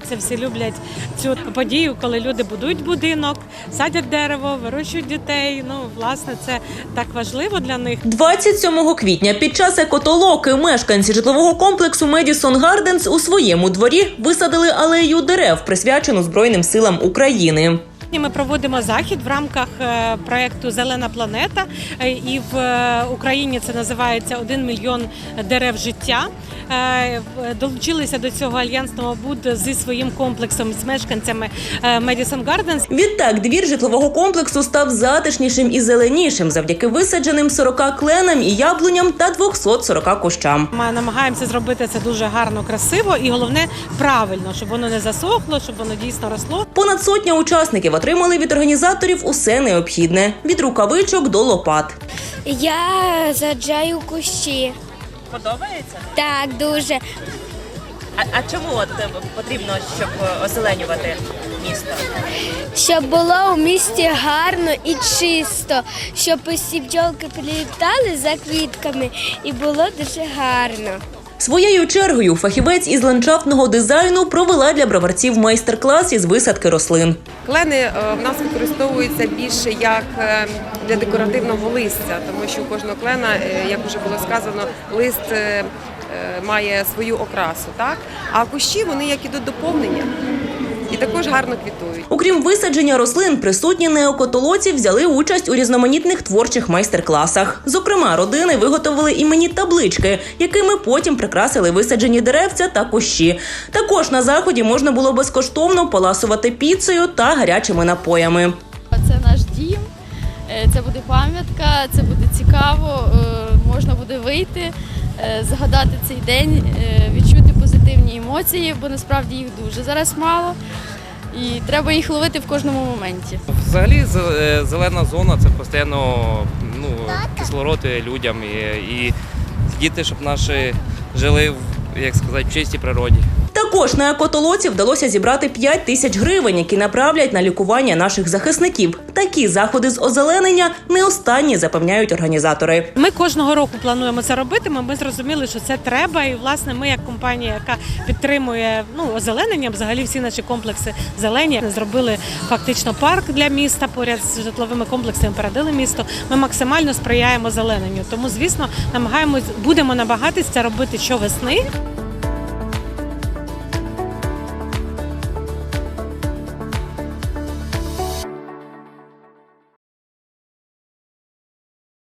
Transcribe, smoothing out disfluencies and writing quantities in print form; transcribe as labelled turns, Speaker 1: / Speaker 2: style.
Speaker 1: подобається, всі люблять цю подію, коли люди будують будинок, садять дерево, вирощують дітей. Ну, власне, це так важливо для них.
Speaker 2: 27 квітня під час екотолоки мешканці житлового комплексу Медісон Гарденс у своєму дворі висадили алею дерев, присвячену Збройним силам України.
Speaker 1: Ми проводимо захід в рамках проєкту «Зелена планета», і в Україні це називається «1 мільйон дерев життя». Долучилися до цього Альянс Новобуд зі своїм комплексом, з мешканцями Медісон Гарденс.
Speaker 2: Відтак, двір житлового комплексу став затишнішим і зеленішим завдяки висадженим 40 кленам і яблуням та 240 кущам.
Speaker 1: Ми намагаємося зробити це дуже гарно, красиво і, головне, правильно, щоб воно не засохло, щоб воно дійсно росло.
Speaker 2: Понад сотня учасників отримали від організаторів усе необхідне – від рукавичок до лопат.
Speaker 3: Я саджаю кущі.
Speaker 4: Подобається?
Speaker 3: Так, дуже.
Speaker 4: А чому от потрібно, щоб озеленювати місто?
Speaker 3: Щоб було у місті гарно і чисто, щоб усі бджолки прилітали за квітками і було дуже гарно.
Speaker 2: Своєю чергою фахівець із ландшафтного дизайну провела для броварців майстер-клас із висадки рослин.
Speaker 5: Клени в нас використовуються більше як для декоративного листя, тому що у кожного клена, як вже було сказано, лист має свою окрасу, так? А кущі, вони як ідуть доповнення і також гарно квітують.
Speaker 2: Окрім висадження рослин, присутні неокотолоці взяли участь у різноманітних творчих майстер-класах. Зокрема, родини виготовили іменні таблички, якими потім прикрасили висаджені деревця та кущі. Також на заході можна було безкоштовно поласувати піцею та гарячими напоями.
Speaker 6: Це наш дім, це буде пам'ятка, це буде цікаво, можна буде вийти, згадати цей день, відчути позитивні емоції, бо насправді їх дуже зараз мало і треба їх ловити в кожному моменті.
Speaker 7: Взагалі зелена зона – це постійно кислород людям і діти, щоб наші жили в чистій природі.
Speaker 2: Також на екотолоці вдалося зібрати 5 тисяч гривень, які направлять на лікування наших захисників. Такі заходи з озеленення не останні, запевняють організатори.
Speaker 1: Ми кожного року плануємо це робити, ми зрозуміли, що це треба. І, власне, ми як компанія, яка підтримує озеленення, взагалі всі наші комплекси зелені, зробили фактично парк для міста, поряд з житловими комплексами передали місто. Ми максимально сприяємо озелененню. Тому, звісно, будемо намагатися це робити щовесни.